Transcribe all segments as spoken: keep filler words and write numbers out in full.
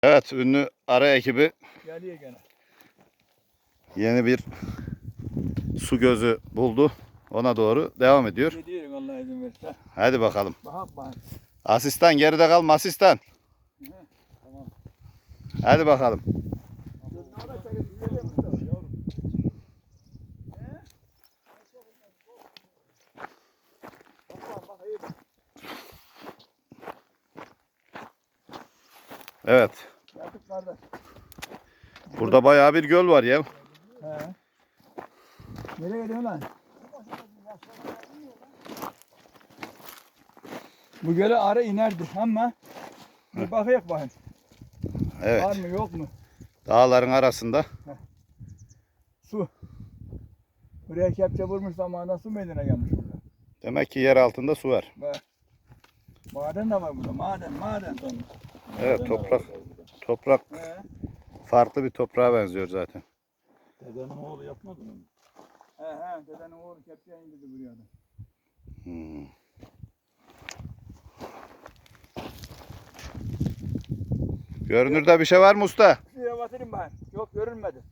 Evet, ünlü ara ekibi Geliyor gene. yeni bir su gözü buldu. Ona doğru devam ediyor. Gidiyorum Allah izin verirse. Hadi bakalım. Bak bak. Asistan geride kalma asistan. Tamam. Hadi bakalım. Evet. Yaptık kardeş. Burada bayağı bir göl var ya. He. Nereye gidiyorsun lan? Bu göle ara inerdi ama bir bakayım bakayım. Var Evet. mı yok mu? Dağların arasında. Su. Buraya kepçe vurmuş zamanında su meydana gelmiş burada. Demek ki yer altında su var. Bak. Maden de var burada. Maden, maden. Evet, toprak. Toprak He. farklı bir toprağa benziyor zaten. Dedenin oğlu yapmadı mı? He he. Dedenin oğlu kepçe indirdi buraya da. Hmm. Görünürde bir şey var mı usta? Şuraya batırayım ben. Yok görünmedi.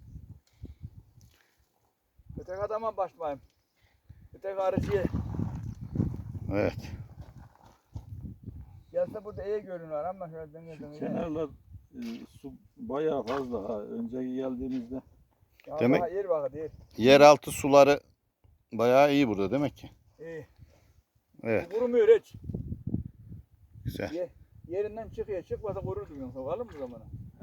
Öteki adama başlayayım. Öteki arıcıya. Evet. Gelse burada iyi görünüyor ama şöyle dönüyor Şu dönüyor. kenarlar e, su bayağı fazla ha. Önceki geldiğimizde Ya Demek- daha yer bak değil. Yeraltı suları bayağı iyi burada demek ki. İyi. Evet. Kurumuyor hiç. Güzel. Ye, yerinden çıkıyor. Çıkmasa kururdu yoksa. Sokalım mı zamana? he,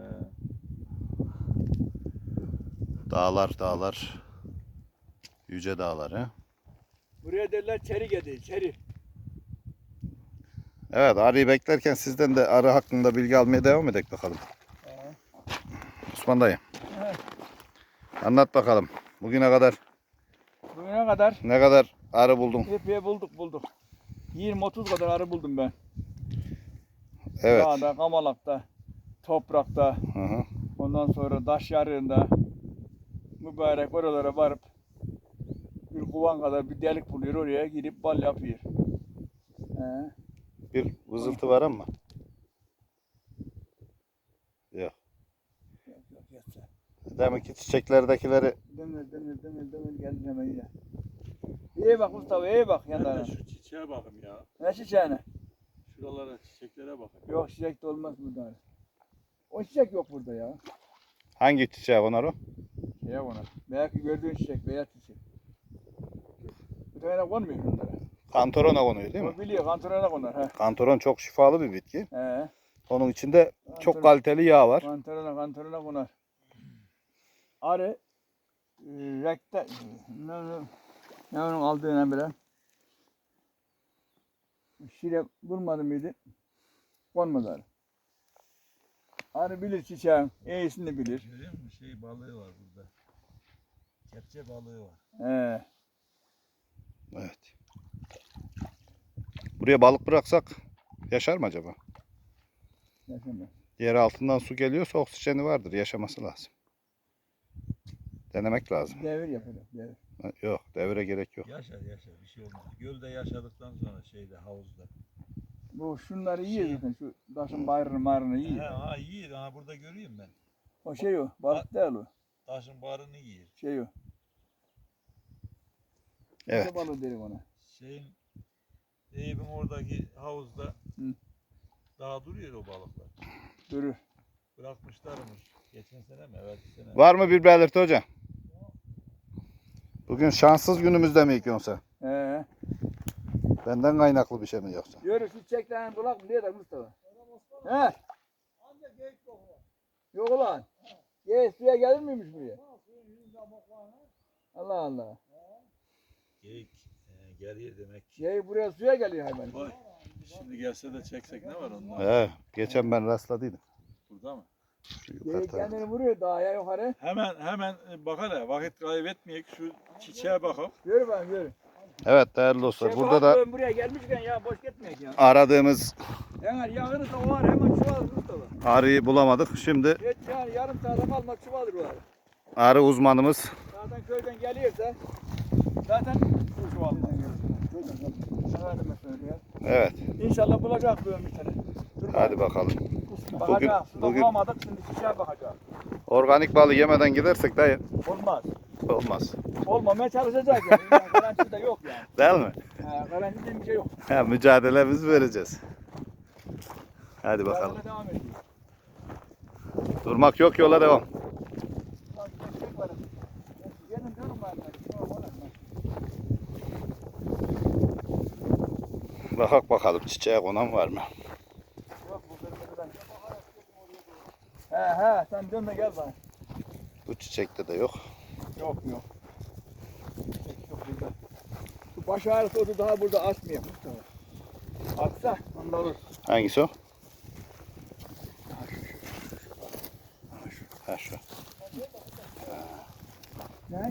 Dağlar dağlar. Yüce dağlar he. Buraya derler çeri gedi. Çeri. Evet, arıyı beklerken sizden de arı hakkında bilgi almaya devam edelim bakalım. He. Osman dayı. Evet. Anlat bakalım. Bugüne kadar Bugüne kadar ne kadar arı buldun? epey bulduk bulduk. yirmi otuz kadar arı buldum ben. Evet. Dağda, kamalakta, toprakta, Hı hı. ondan sonra taş yarığında mübarek oralara varıp bir kovan kadar bir delik buluyor, oraya girip bal yapıyor. He. Bir vızıltı var ama. Yok. Yok yok yoksa. Demek ki çiçeklerdekileri Demir demir demir demir geldi hemen yine. İyi bak Mustafa, iyi bak ben yanlarına. de şu çiçeğe bakayım ya. Ne çiçeğine? Şuralara çiçeklere bakayım. Yok çiçek de olmaz burada. O çiçek yok burada ya. hangi çiçeği onlar o? Şeye ona. Belki gördüğün çiçek, beyaz çiçek. Bir tane konmuyor bunlara. Kantorona konuyor değil mi? O biliyor, kantorona konar. He. Kantoron çok şifalı bir bitki. He. Onun içinde çok Kantoron- kaliteli yağ var. Kantorona, kantorona konar. Arı, e, rekte, ne, ne, ne onun aldığına bile. Şire vurmadı mıydı? Konmadı arı. Arı bilir çiçeğin, iyisini bilir. Görüyor musun? Şey balığı var burada. Kepçe balığı var. He. Evet. Buraya balık bıraksak yaşar mı acaba? Yaşamıyor. Yer altından su geliyorsa oksijeni vardır. Yaşaması lazım. Denemek lazım. Devir yapacak, devir. Ha, Yok, devre gerek yok. Yaşar yaşar bir şey olmaz. Gölde yaşadıktan sonra şeyde havuzda. Bu şunları yiyor zaten, şu taşın bayrını marını He, yiyor. ha iyi. Ha burada görüyorum ben. O şey o, balık değil o. Taşın barını yiyor. Şey o. Evet. Ne balığı derim ona. Şeyin Eyüp'ün oradaki havuzda Hı. daha duruyor o balıklar. Durur. Bırakmışlarmış. Geçen sene mi? Evet sene. Var mı bir belirti hocam? Bugün şanssız günümüzde mi yıkıyorsun sen? He. Benden kaynaklı bir şey mi yoksa? Yürü şu çiçeklerini bulak mı diye de Mustafa. He. Yok ulan. Geyik suya gelir miymiş buraya? Allah Allah. Geyik e, geliyor demek ki. Geyik buraya suya geliyor hayvan. Vay. Şimdi gelse de çeksek ne var onun? He, geçen ben rastladıydım. Burada mı? Şu yukarı Geyik tarafta. kendini vuruyor dağa yukarı. Hemen hemen e, bak hele vakit kaybetmeyek şu çiçeğe bakalım. Yürü ben yürü. Evet değerli dostlar, Şey, burada da bakalım, buraya gelmişken ya boş gitmeyek ya. aradığımız Eğer yağını da o var hemen çuval Mustafa. arıyı bulamadık. Şimdi Geç yani yarım saate kalmaz çuvaldır o arı. arı uzmanımız Zaten köyden geliyorsa zaten bu çuvaldan geliyor. Köyden geliyor. Efendime söylüyor. evet İnşallah bulacak böyle bir tane. Dur Hadi bakalım. Bakacağız. bugün- Bugün, bulamadık şimdi çiçeğe bakacağız. Organik balı yemeden gidersek dayı Olmaz. olmaz. Olmamaya çalışacak yani. Yani garantisi de yok yani. Değil mi? He, garantisi diye bir şey yok. Ha, mücadelemizi vereceğiz. Hadi bakalım. Yarına devam ediyor. Durmak yok, yola devam. Bak, çiçek var. Gelin diyorum ben. Bakak bakalım çiçeğe konan var mı? Yok bu kırmızıdan. He he sen dön de gel bana. Bu çiçekte de yok. Yok yok. Çiçek yok burada. Şu baş ağrısı otu daha burada açmıyor. Atsa onda olur. Hangisi o? Ha şu. Ne?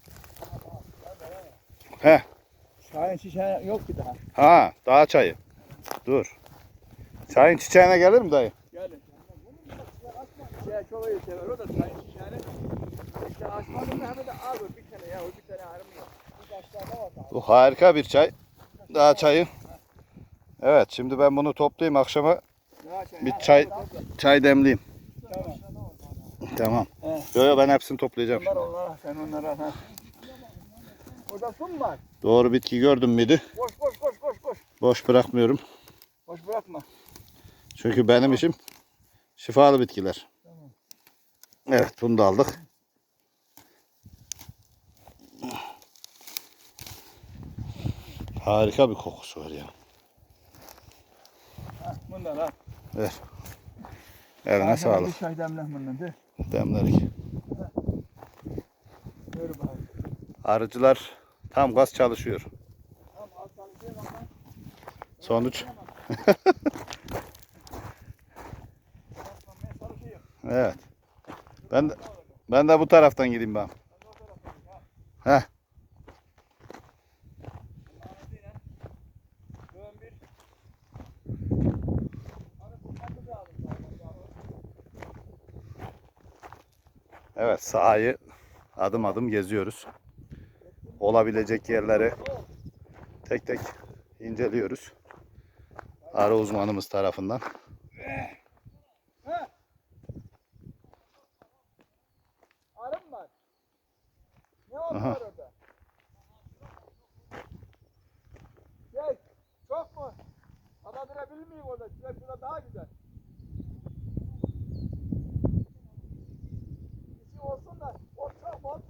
He. Şahin çiçeği yok ki daha. Ha, dağ çayı. Dur. Çayın çiçeğine gelir mi dayı? Gelin. Çiçeği çok iyi sever o da şahin çiçeğini. İşte açmadım da hemen de al bir tane ya o bir tane ayrım yok. Bir başlarda var daha. Bu harika bir çay. Dağ çayı. Evet, şimdi ben bunu toplayayım akşama Ya şey, bir ha, çay ha, çay demleyeyim. Tamam. Tamam. He. Yo yo ben hepsini toplayacağım. Onlar onlara sen onlara ha. Orada su mu var? Doğru bitki gördüm müydü? Koş koş koş koş koş. Boş bırakmıyorum. Boş bırakma. Çünkü benim işim şifalı bitkiler. Evet, bunu da aldık. Harika bir kokusu var ya. Ha, bundan ha. Ver. Eline Bir sağlık. çay demle bundan de. Demlerik. Ver bakalım. Arıcılar tam gaz çalışıyor. Tamam al çalışıyor bak. Sonuç. Ben çalışıyorum. Evet. Ben de, ben de bu taraftan gideyim ben. Heh. Dön bir. Hani bu kapı da alın. Evet, sahayı adım adım geziyoruz. Olabilecek yerleri tek tek inceliyoruz. Arı uzmanımız tarafından. Arım var. Ne oldu Aha. orada? Şey, çok mu? Alabilir miyim orada? Şurada, şurada daha güzel. Bir şey olsun da, o çok ol.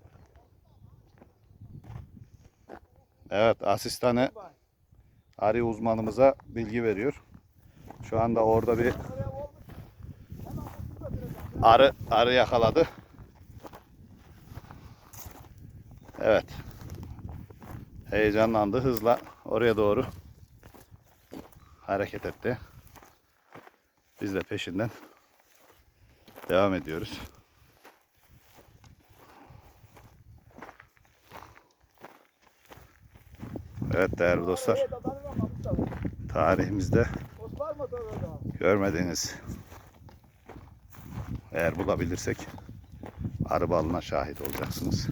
Evet, asistanı Bak, arı uzmanımıza bilgi veriyor. Şu anda orada bir oraya olmuş. Hemen bu şurada duracağım. arı arı yakaladı. Evet. Heyecanlandı, hızla oraya doğru hareket etti. Biz de peşinden devam ediyoruz. Evet değerli dostlar, Oraya da tanımam Mustafa. tarihimizde Ot var mı orada? görmediğiniz, eğer bulabilirsek arı balına şahit olacaksınız.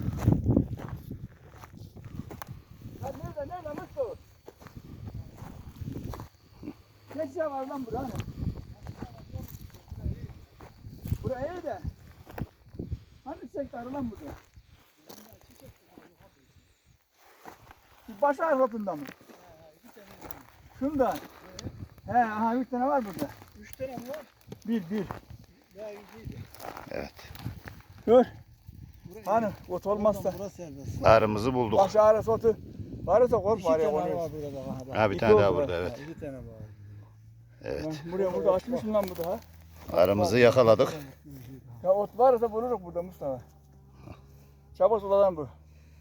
Lan nerede, nerede Mustafa? Ne şey var lan burada? Hani? Buraya iyi de. Hani çiçek var lan burada? Bu baş ağrısında mı? Şundan. He, aha üç tane var burada. Üç tane mi var? Bir, bir. Evet. Dur. Hani ot olmazsa. Arımızı bulduk. Baş ağrısı otu. Varsa korkma araya konuyor. Ha bir İki tane daha oldu burada, bak. evet. Bir tane var. Evet. Buraya burada açmışım lan bu daha. Arımızı yakaladık. Ya ot varsa buluruz burada Mustafa. Çabuk suladan bu.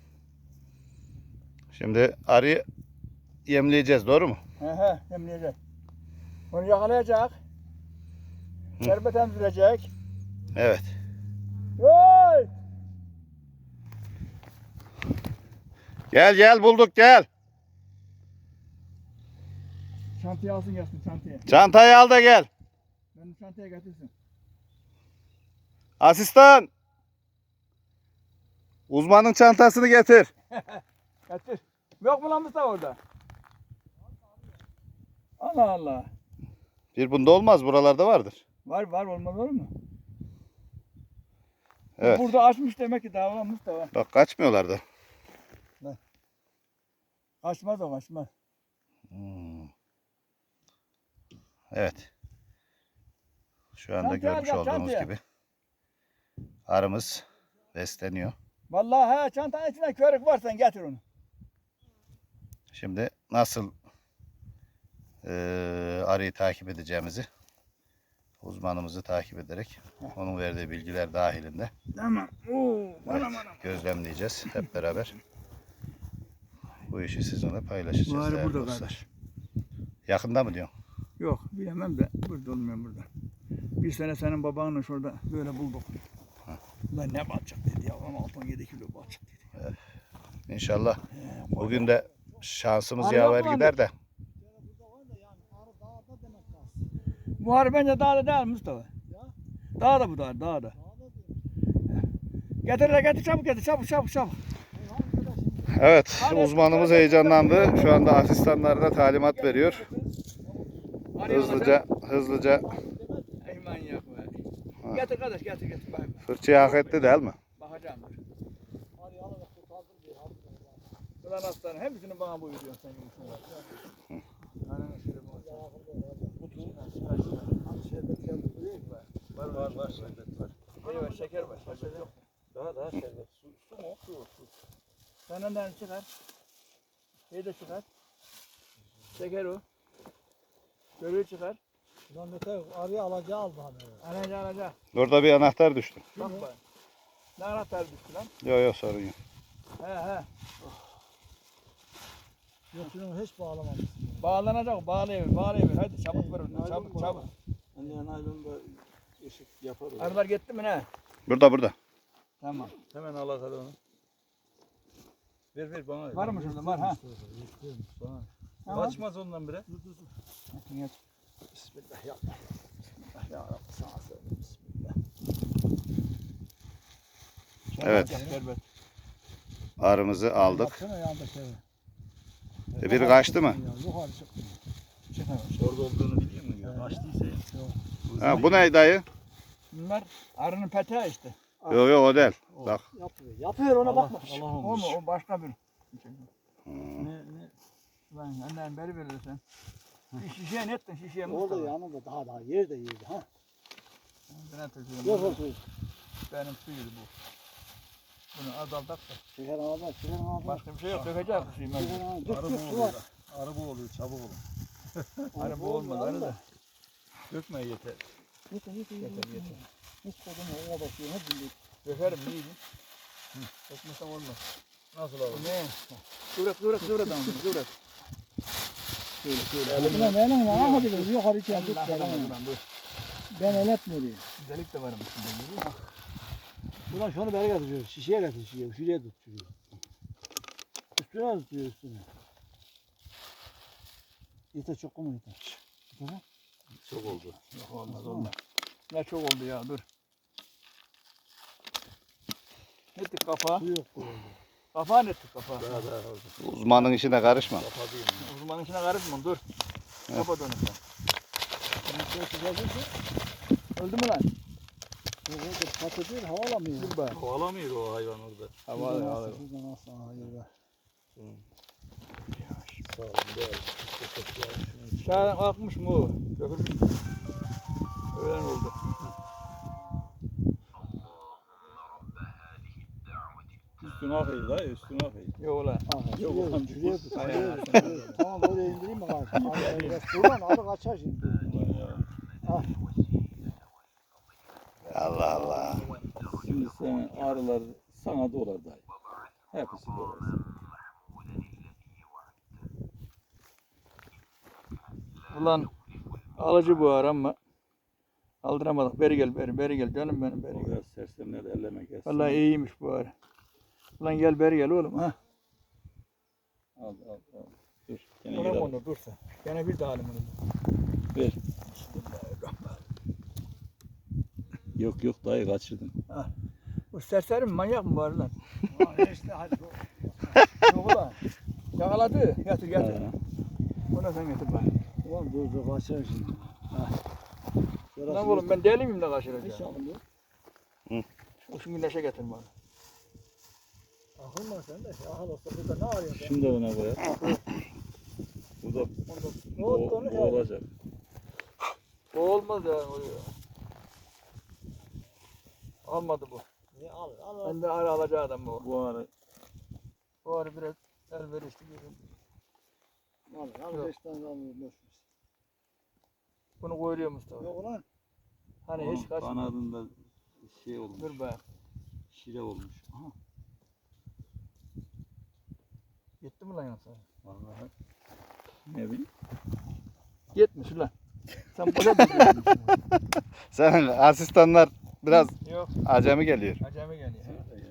Şimdi arıyı yemleyeceğiz, doğru mu? He he, yemleyecek. Onu yakalayacak. Şerbet emzirecek. Evet. Oy! Gel gel bulduk gel. Çantayı alsın gelsin çantaya. Çantayı al da gel. Ben çantaya getirsin. Asistan. Uzmanın çantasını getir. Getir. Yok mu lan Mustafa orada? Allah Allah. Bir bunda olmaz. Buralarda vardır. Var var olmaz olur mu? Evet. Burada açmış demek ki daha olan Mustafa. Bak kaçmıyorlar da. Kaçmaz o kaçmaz. Hmm. Evet. Şu anda Çantaya görmüş gel, olduğunuz çantaya. gibi arımız besleniyor. Vallahi he çantanın içinde körük varsa getir onu. Şimdi nasıl eee arıyı takip edeceğimizi uzmanımızı takip ederek onun verdiği bilgiler dahilinde Tamam. Oo, evet, bana bana. gözlemleyeceğiz hep beraber. Bu işi sizinle paylaşacağız Bu arı değerli burada dostlar. kardeş. Yakında mı diyorsun? Yok bilemem de burada olmuyor burada. Bir sene senin babanla şurada böyle bulduk. Lan ne batacak dedi ya ama altı on yedi kilo batacak dedi. İnşallah bugün de şansımız Arı yaver yok mu gider de. Bu arı bence dağda değil Mustafa. Dağda bu dağda dağda. Getir de getir çabuk getir çabuk çabuk çabuk. Evet, uzmanımız heyecanlandı. Şu anda asistanlarına talimat veriyor. Hızlıca, hızlıca Ey manyak be. Getir kardeş getir getir. Bak, fırçayı hak etti değil mi? bakacağım dur. Ulan aslanım hepsini bana buyuruyorsun sen gibi var. Ananı şöyle bu. Var var var şerbet var. Evet şeker var. Şeker yok. Daha daha şerbet. Su, su mu? Su, su. Sen önden çıkar. Şey de çıkar. Şeker o. Görüğü çıkar. Ulan Mete arıya alacağı aldı hani. Alaca alaca. Orada bir anahtar düştü. Bak bak. Ne anahtar düştü lan? Yok yok sorun yok. He he. Yok şunu hiç bağlamamışsın. Bağlanacak. Bağlayıver. Bağlayıver. Hadi çabuk ver onu. Çabuk çabuk. Anne naylonda ışık yapar o. Arılar gitti mi ne? Burada burada. Tamam. Hemen al hadi onu. Ver ver bana. Var mı şurada? Var ha. Bana. Tamam. Kaçmaz ondan bire. Geç. Bismillah ya. Bismillah ya Rabbi sana söyle. Bismillah. Evet. Şerbet. Arımızı aldık. Baksana yandaki eve. E, biri kaçtı mı? Ya, yukarı çıkmıyor. Çıkmamış. Orada olduğunu biliyor musun ya? Kaçtıysa ya. Ha, bu ne dayı? Bunlar arının peteği işte. Yok yok o değil. Bak. Yapıyor. Yapıyor ona Allah, bakma. Allah O olmuş. mu? O başka bir. Hmm. Ne ne? Lan annen beri verirsen. Bir şişeye ne ettin şişeye Orada Mustafa? yanında daha daha yerde yerde ha. Ben atıyorum. Yok yok yok. Benim suyuydu bu. Bunu azaltak da. Şeker ağabey, şeker ağabey. Başka bir şey yok. Dökeceğiz bu suyu. Şeker ağabey. Dök Arı dök bu su var. oluyor. Arı bu oluyor. Çabuk olun. Arı bu olmadı arı da. Dökme yeter. Yeter yeter yeter. Yeter yeter. Hiç kodum ona bakıyor. Hep bildik. Dökerim iyiydi. Dökmesem olmaz. Nasıl Bu abi? ne? Kıvrak kıvrak kıvrak damla kıvrak. Şöyle şöyle. Ulan benim ne yapabilirim? Yukarı içeri tut. Allah Ben Allah dur. Ben el etmiyorum. Güzellik de varmış şimdi. Ulan şunu beri getiriyor. Şişeye getir şişeye. Şuraya tut şuraya. Üstüne tutuyor üstüne. Yeter çok mu yeter? Yeter ha? Çok oldu. Yok olmaz olmaz. Ne çok oldu ya dur. Ne ettik kafa? Su yok bu oldu. Kafa ne ettik kafa? Daha daha oldu. Uzmanın işine karışma. Kapatayım. Uzmanın içine karışma dur. Kafa dönüp sen. Bunu şöyle çıkartırsa Öldü mü lan? yok yok patı değil hava alamıyor. Dur be. Kovalamıyor o hayvan orada. Hava Şuradan hava. alsın, şuradan alsın. Aha yürü be. Sağ olun. Değerli. Şahin kalkmış mı o? Dökülmüş mü? Öğlen oldu. Üstüne akıyor da üstüne akıyor. Yok ulan. Aha Yok, şuraya oğlum, tut, şuraya dur. tut. Aynen. Şuraya tut, şuraya tut. Tamam oraya indireyim mi kardeşim? Abi biraz buradan adı kaçar şimdi. Allah Allah. Şimdi sen arılar sana dolar dayı. Hepsi dolar. Ulan alıcı bu ara ama aldıramadık. Beri gel beri beri gel canım benim beri O gel. biraz sersemler elleme gelsin. Vallahi iyiymiş bu ara. Ulan gel beri gel oğlum ha. Al al al. Dur. Gene Ulan gel al. onu dursa. Gene bir daha alayım onu. Ver. Yok yok dayı kaçırdın. Bu serseri mi manyak mı var lan? İşte hadi. Yok ulan. Yakaladı. Getir getir. Ha. Bunu sen getir bak. Ulan dur dur kaçar şimdi. Lan oğlum ben deli miyim de kaçıracağım? İnşallah. O şimdi neşe getir bana. Akılma sen de. Ahal olsa burada ne arıyorsun? Şimdi de ona koyar. Bu da Ne bu, oldu onu bu ya? olacak. O olmaz ya. O ya. Almadı bu. Ne al al al. Ben de ara alacağı adam bu. Bu ara Bu ara biraz elverişli görün. Al al Yok. beş tane almıyor boş ver. Bunu koyuyor Mustafa. Yok ulan. Hani onun hiç kaçmıyor. kanadında şey olmuş. Dur be. Şire olmuş. Aha. Gitti mi lan yoksa? Vallahi. Ne bileyim. Gitmiş ulan. Sen boşa tutuyorsun. Sen asistanlar biraz Yok. acemi geliyor. Acemi geliyor.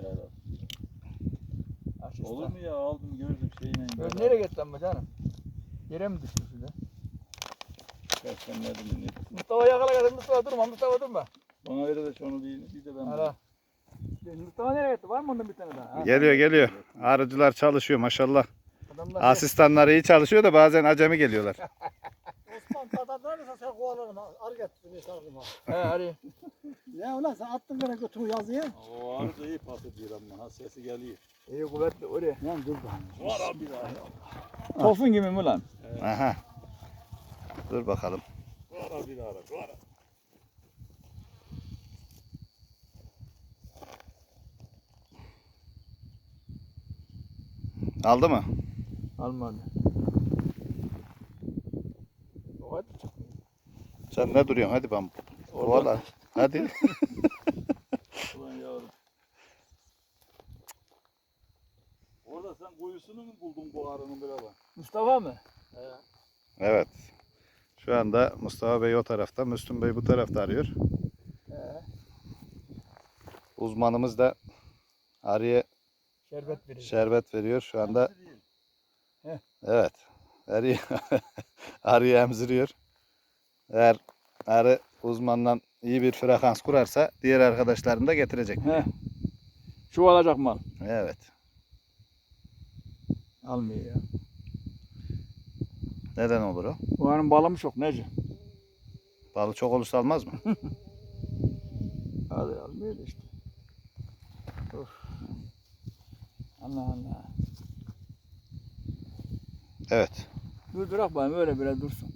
Asistan. Olur mu ya, aldım gördüm şeyine. Böyle nereye gitti lan bu canım? Yere mi düştü şurada? Persenledim ne? Mustafa yakala kadar Mustafa durma Mustafa durma. Bana ver de şunu bir, bir de ben. Ara. Mustafa nereye gitti? Var mı ondan bir tane daha? Ha? Geliyor geliyor. Arıcılar çalışıyor maşallah. Adamlar Asistanlar iyi çalışıyor da bazen acemi geliyorlar. Osman tatarlar mısın sen kovalarım. Ar getir beni sardım ha. He hadi. Ne ulan sen attın bana götürü yazıya. O arı da iyi pas ediyor ama ha, sesi geliyor. İyi kuvvetli oraya. Lan dur bakalım. Var abi daha. Tosun gibi mi lan? Aha. Dur bakalım. Var abi daha. Var. Aldı mı? Almadı. O hadi çık. Sen ne duruyorsun? Hadi ben. Kovala. Hadi. Ulan yavrum. Orada sen kuyusunu mu buldun bu arının bir bak? Mustafa mı? Evet. Şu anda Mustafa Bey o tarafta, Müslüm Bey bu tarafta arıyor. He. Uzmanımız da arıya Şerbet veriyor. şerbet veriyor şu anda. Heh. Evet. Arıyı, arıyı emziriyor. Eğer arı uzmandan iyi bir frekans kurarsa diğer arkadaşlarını da getirecek. He. Şu alacak mal. Evet. Almıyor ya. Neden olur o? Bu hanım balı mı çok nece? Balı çok olursa almaz mı? Hadi almıyor da işte. Of. Allah Allah. Evet. Dur durak bakayım öyle biraz dursun.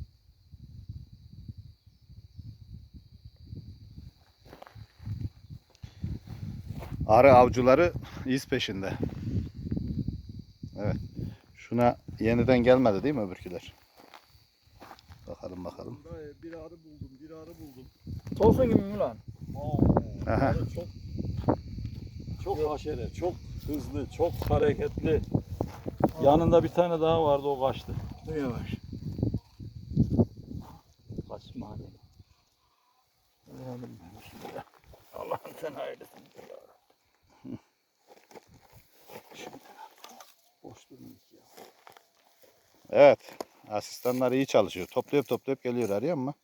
Arı avcıları iz peşinde. Evet. Şuna yeniden gelmedi değil mi öbürküler? Bakalım bakalım. Bir arı buldum, bir arı buldum. Tosun gibi mi lan? Aha. Arı çok çok haşere, çok hızlı, çok hareketli. Yanında bir tane daha vardı, o kaçtı. Dur yavaş. Kaçma hadi. Öğrendim ben şimdi. Allah'ım sen hayırlısın. Boş durmuyor ya. Evet. Asistanlar iyi çalışıyor. Toplayıp toplayıp geliyor arıyor mu?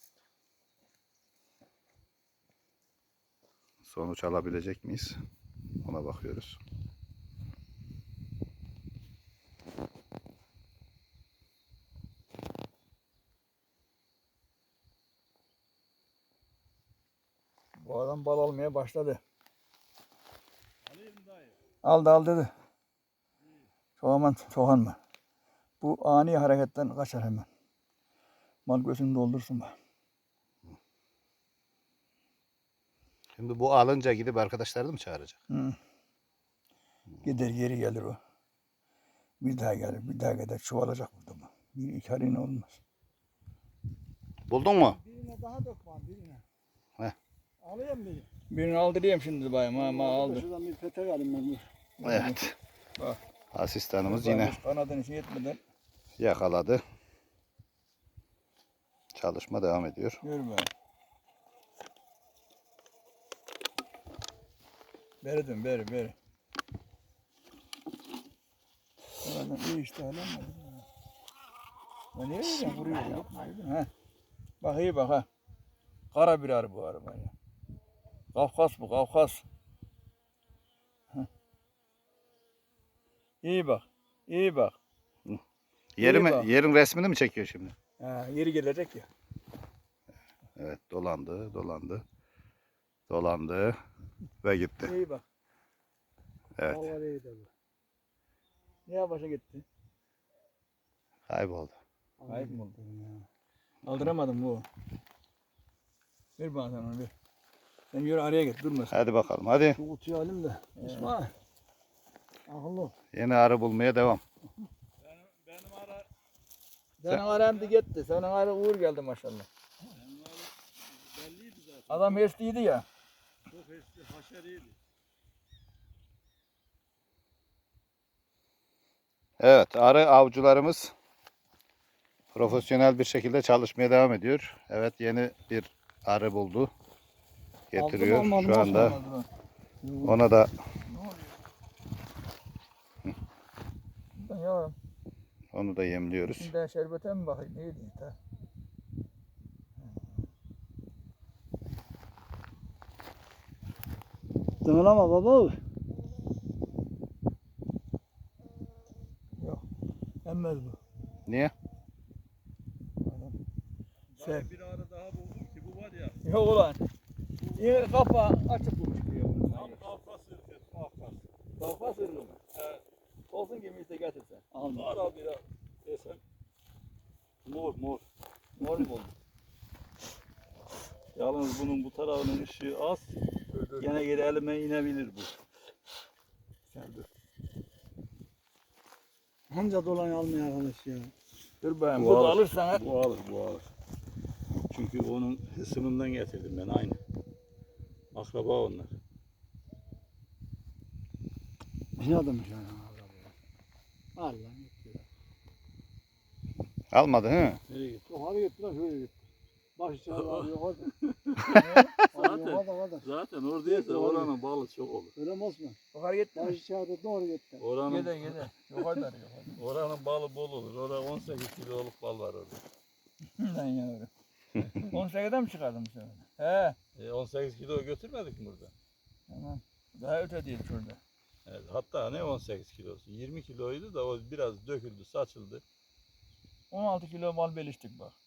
Sonuç alabilecek miyiz? Ona bakıyoruz. Bu adam bal almaya başladı. Aldı al dedi. Çok aman çok anma. Bu ani hareketten kaçar hemen. Mal gözünü doldursun bak. Şimdi bu alınca gidip arkadaşlarını mı çağıracak? Hı. Gider geri gelir o. Bir daha gelir, bir daha gider. Çoğalacak burada bu. Bir iki harine olmaz. Buldun mu? Birine daha dök var birine. Heh. Alayım biri. Birini aldırayım şimdi bayım. Ha, ma aldı. Şuradan bir petek alayım ben. dur. Evet. Bak. Asistanımız yine Kanadını şey etmeden yakaladı. Çalışma devam ediyor. yürü be. Beri dön, beri, beri. Ulan iyi işte hala mı? Lan niye öyle vuruyor ya? Ha. Bak iyi bak ha. Kara bir arı bu araba ya. Kafkas bu, Kafkas. Heh. İyi bak, iyi bak. Yeri İyi mi, bak. yerin resmini mi çekiyor şimdi? Ha, yeri gelecek ya. Evet dolandı, dolandı. Dolandı ve gitti. İyi bak. Evet Vallahi iyi de bu. Niye başa gitti? kayboldu. Ayıp mı oldu? Aldıramadım bu. Ver bana sen onu ver. Sen yürü araya git durmasın. Hadi bakalım hadi. Şu kutuyu alayım da. İsmail. Akıllı ol. Yeni arı bulmaya devam. Benim, benim ara Senin aran da gitti. Senin ara uğur geldi maşallah. benim ara belliydi zaten. Adam hırslıydı ya. Çok hesli, haşeriydi. Evet arı avcılarımız profesyonel bir şekilde çalışmaya devam ediyor. Evet yeni bir arı buldu. Getiriyor. Aldım, almadım, Şu anda ona da Ya onu da yemliyoruz. şimdi şerbete mi bakayım? Neydi? Ta? Dönülama baba. Yok. Emmez bu. Niye? Sen. Ben bir ara daha buldum ki bu var ya. Yok ulan. Yine kapağı açık bulmuş diyor. Tam Kafkas ırkı. Kafkas. Kafa sırrı mı? He. Olsun gibi işte getirsen. Ara bir ara desem. Mor mor. Mor mu oldu? Yalnız bunun bu tarafının ışığı az. Gene geri elime inebilir bu. Sen dur. Hanca dolan almıyor arkadaş ya. Dur ben Bu bunu alır. alırsan ha. Bu alır bu alır. Çünkü onun hısımından getirdim ben aynı. Akraba onlar. Ne adammış yani. Allah gitti. Almadı hı? Nereye gitti? Yukarı gitti lan şöyle gitti. Baş içeri abi yukarı. Zaten- Yukarıda yukarıda. Zaten oradaysa oranın balı çok olur. Öyle mi Osman? Yukarı gitti Baş mi? içeri doğru gitti. Oranın, Gide gide. Yukarıda yukarıda. oranın balı bol olur. Orada on sekiz kiloluk bal var orada. Lan yavrum. on sekizden mi çıkardın bu sefer? He. E, on sekiz kilo götürmedik mi burada? Tamam. Daha öte değil şurada. Evet, hatta ne on sekiz kilosu? yirmi kiloydu da o biraz döküldü, saçıldı. on altı kilo mal beliştik bak.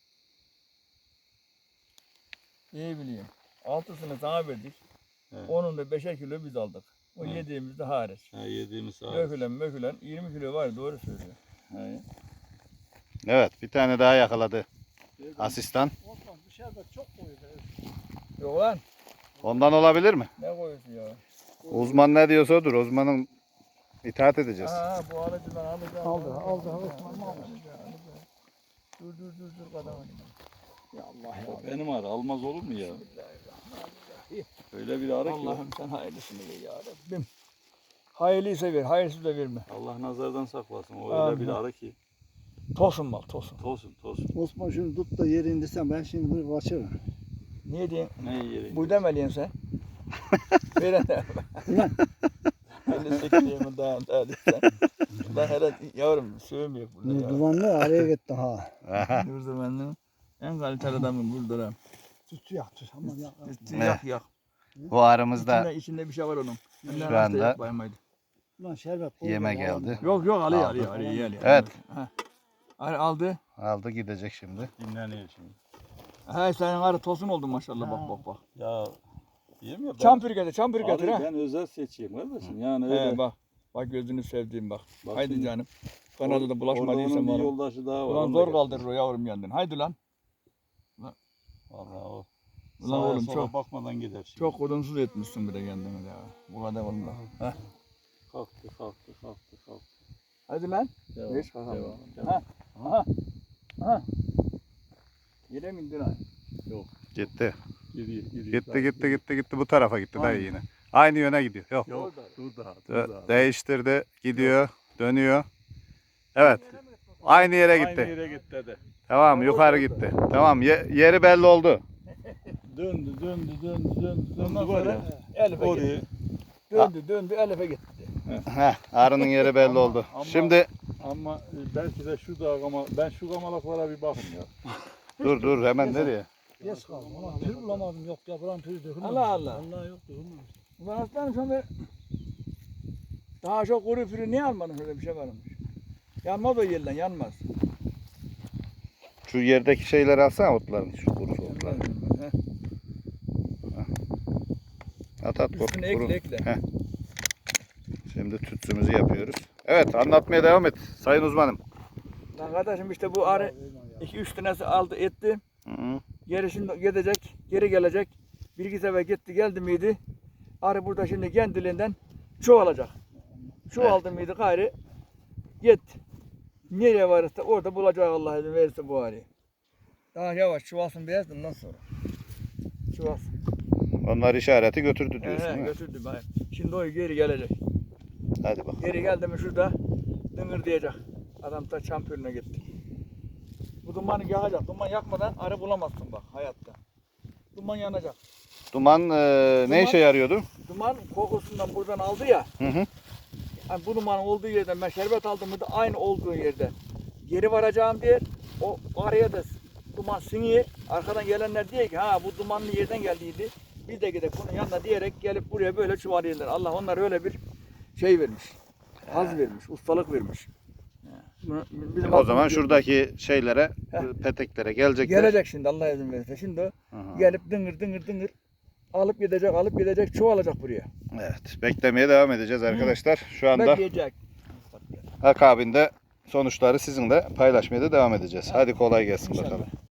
İyi bileyim. Altısını sana verdik. Evet. Onun da beşer kilo biz aldık. O Evet. yediğimizde hariç. Ha, yediğimiz sağ Dökülen mökülen yirmi kilo var doğru söylüyor. He. Evet bir tane daha yakaladı asistan. Osman dışarıda çok koyuyor. Yok lan. Ondan olabilir mi? Ne koyuyorsun ya? Uzman ne diyorsa odur. Uzmanın itaat edeceğiz. Ha bu alıcıdan alacağım. Aldı, aldı, aldı. Alacağım, alacağım. Dur dur dur dur kadar Ya Allah O benim arı almaz olur mu ya? Bismillahirrahmanirrahim. Öyle bir arı ki. Allah'ım sen hayırlısını ver ya Rabbim. Hayırlıysa ver, hayırsız da verme. Allah nazardan saklasın. O Amin. öyle bir arı ki. Tosun mal tosun. Tosun tosun. Osman şunu tut da yere indirsen ben şimdi bunu kaçırırım. Niye diyeyim? Ne yeri? Bu demeliyin sen. Veren de. Ulan. elli sekiz yılımı daha daha desen. Ben hele yavrum sövmüyor burada ya. Dumanlı araya gitti ha. Aha. Burada benim en kaliteli adamım burada. Tütsü yak tütsü. Aman yak. Ne? Yak yak. Bu arımızda İçinde, içinde bir şey var onun. Şu Ondan hasta anda- yapmayayım haydi. Ulan şerbet koy. Yeme ya, geldi. Yok yok alıyor Aldı. alıyor alıyor. alıyor. Evet. Ha. Al- Aldı. aldı gidecek şimdi. Dinleniyor şimdi. Ha senin arı tosun oldu maşallah bak bak bak. Ya diyeyim ya ben, Çampür getir çampür getir arıyı ha. ben özel seçeyim kardeşim. Yani öyle. He bak. Bak gözünü sevdiğim bak. Bak Haydi şimdi, canım. Kanada da Orada bulaşmadıysa onun bir bana. yoldaşı daha var. Ulan onu da zor getir. kaldırır o yavrum yandın. Haydi lan. Vallahi o. Ulan Sağa oğlum sola çok bakmadan gider şimdi. çok odunsuz etmişsin bir de kendini ya. Bu kadar olma. Heh. Kalktı kalktı kalktı kalktı. Hadi lan. Devam, Hiç kalkamam. devam, devam. Ha. Aha. Aha. Yere mi indin ha? Gitti. Gidiyor, gidiyor. Gitti gitti gitti gitti bu tarafa gitti dayı yine. Aynı yöne gidiyor. Yok. Yok dur daha dur Dö- daha. Değiştirdi. Gidiyor. Dönüyor. Evet. Aynı yere Aynı gitti. yere gitti dedi. Tamam yukarı gitti. Tamam ye- yeri belli oldu. Döndü döndü döndü döndü Ondan döndü var sonra ya. Elif'e gitti. Orayı Döndü döndü Elif'e gitti. Heh, arının yeri belli oldu. Ama- Şimdi ama e, belki de şu da gama, ben şu gamalaklara bir bakın ya. dur dur hemen nereye? Geç kaldım. Ulan pür bulamadım. Yok yapılan pür dökülmemiş. Allah Allah. Allah yok dökülmemiş. Ulan aslanım sonra daha çok kuru fürü niye almadın öyle bir şey varmış. Yanmaz o yerden yanmaz. Şu yerdeki şeyleri alsana otların. Şu kuru otları. bakalım. Heh. At at kork. Üstüne ekle ekle. Heh. Şimdi tütsümüzü yapıyoruz. Evet, anlatmaya devam et sayın uzmanım. Lan kardeşim işte bu arı iki üç tanesi aldı etti. Hı -hı. Geri şimdi gidecek, geri gelecek. Bir iki sefer gitti geldi miydi? Arı burada şimdi kendiliğinden çoğalacak. Çoğaldı mıydı gayrı git. Nereye varırsa orada bulacak Allah izin verirse bu arıyı. Daha yavaş çoğalsın biraz ondan sonra. Çoğalsın. Onlar işareti götürdü diyorsun He, değil mi? götürdü bari. Şimdi o geri gelecek. Hadi bakalım. Geri geldi mi şurada dıngır diyecek. Adam da şampiyonuna gitti. Bu dumanı yakacak. Duman yakmadan arı bulamazsın bak hayatta. Duman yanacak. Duman, e, ne Duman- işe yarıyordu? Duman kokusundan buradan aldı ya. Hı hı. Yani bu dumanın olduğu yerden ben şerbet aldım mı da aynı olduğu yerde geri varacağım diye o araya da duman siniyor. Arkadan gelenler diyor ki ha bu dumanlı yerden geldiydi. Biz de gidelim bunun yanına diyerek gelip buraya böyle çuvalıyorlar. Allah onlara öyle bir şey vermiş. Haz vermiş, ustalık vermiş. Bunu- bizim O zaman aklımız yok. şuradaki şeylere, Heh. peteklere gelecekler. Gelecek şimdi Allah izin verirse. Şimdi o Aha. gelip dıngır dıngır dıngır alıp gidecek, alıp gidecek, çoğalacak buraya. Evet, beklemeye devam edeceğiz arkadaşlar. Şu anda Bekleyecek. akabinde sonuçları sizinle paylaşmaya da devam edeceğiz. Hadi kolay gelsin bakalım.